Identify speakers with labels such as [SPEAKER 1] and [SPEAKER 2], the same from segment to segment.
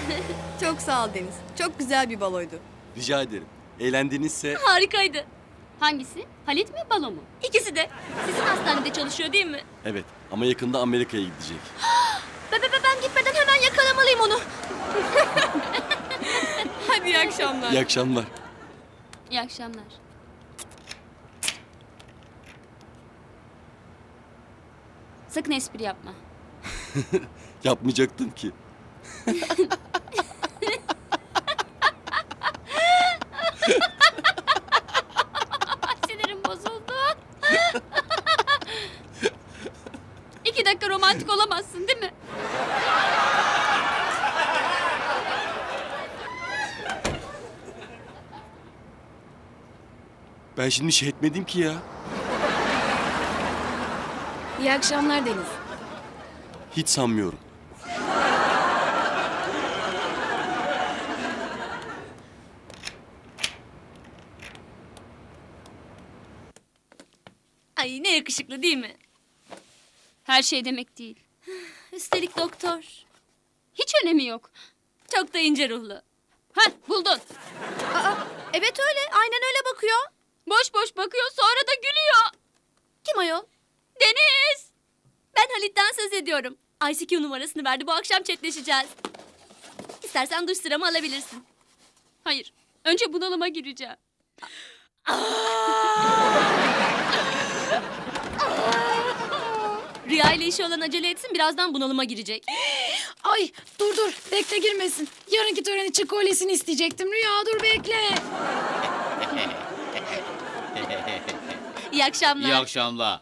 [SPEAKER 1] Çok sağ ol Deniz. Çok güzel bir baloydu.
[SPEAKER 2] Rica ederim. Eğlendinizse
[SPEAKER 3] Harikaydı.
[SPEAKER 4] Hangisi? Halit mi, balo mu?
[SPEAKER 3] İkisi de. Sizin hastanede çalışıyor değil mi?
[SPEAKER 2] evet ama yakında Amerika'ya gidecek.
[SPEAKER 3] Ben gitmeden hemen yakalamalıyım onu.
[SPEAKER 1] Hadi iyi akşamlar.
[SPEAKER 2] İyi akşamlar.
[SPEAKER 4] İyi akşamlar. Sakın espri yapma.
[SPEAKER 2] Yapmayacaktım ki.
[SPEAKER 4] Sinirim bozuldu. 2 dakika romantik olamazsın değil mi?
[SPEAKER 2] Ben şimdi şey etmedim ki ya.
[SPEAKER 1] İyi akşamlar Deniz.
[SPEAKER 2] Hiç sanmıyorum.
[SPEAKER 3] Ay ne yakışıklı değil mi?
[SPEAKER 4] Her şey demek değil.
[SPEAKER 3] Üstelik doktor.
[SPEAKER 4] Hiç önemi yok.
[SPEAKER 3] Çok da ince ruhlu.
[SPEAKER 4] Hah, buldun.
[SPEAKER 3] Evet öyle. Aynen öyle bakıyor.
[SPEAKER 4] Boş boş bakıyor, sonra da gülüyor.
[SPEAKER 3] Kim ayol?
[SPEAKER 4] Deniz!
[SPEAKER 3] Ben Halit'ten söz ediyorum. ICQ numarasını verdi. Bu akşam chatleşeceğiz. İstersen duş sıramı alabilirsin.
[SPEAKER 4] Hayır, önce bunalıma gireceğim.
[SPEAKER 3] Rüya ile işi olan acele etsin. Birazdan bunalıma girecek.
[SPEAKER 5] Ay dur bekle girmesin. Yarınki tören için kolyesini isteyecektim. Rüya dur bekle.
[SPEAKER 3] İyi akşamlar.
[SPEAKER 6] İyi akşamlar.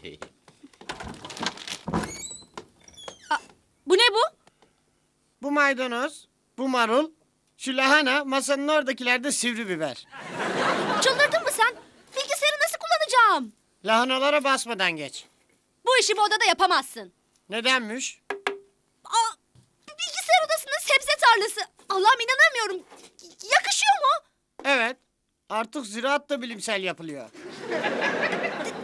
[SPEAKER 3] Bu ne bu?
[SPEAKER 7] Bu maydanoz, bu marul, şu lahana, masanın oradakilerde sivri biber.
[SPEAKER 3] Çıldırdın mı sen? Bilgisayarı nasıl kullanacağım?
[SPEAKER 7] Lahanalara basmadan geç.
[SPEAKER 3] Bu işi bu odada yapamazsın.
[SPEAKER 7] Nedenmiş?
[SPEAKER 3] Bilgisayar odasında sebze tarlası. Allah'ım inanamıyorum. Yakışıyor mu?
[SPEAKER 7] Evet, artık ziraat da bilimsel yapılıyor.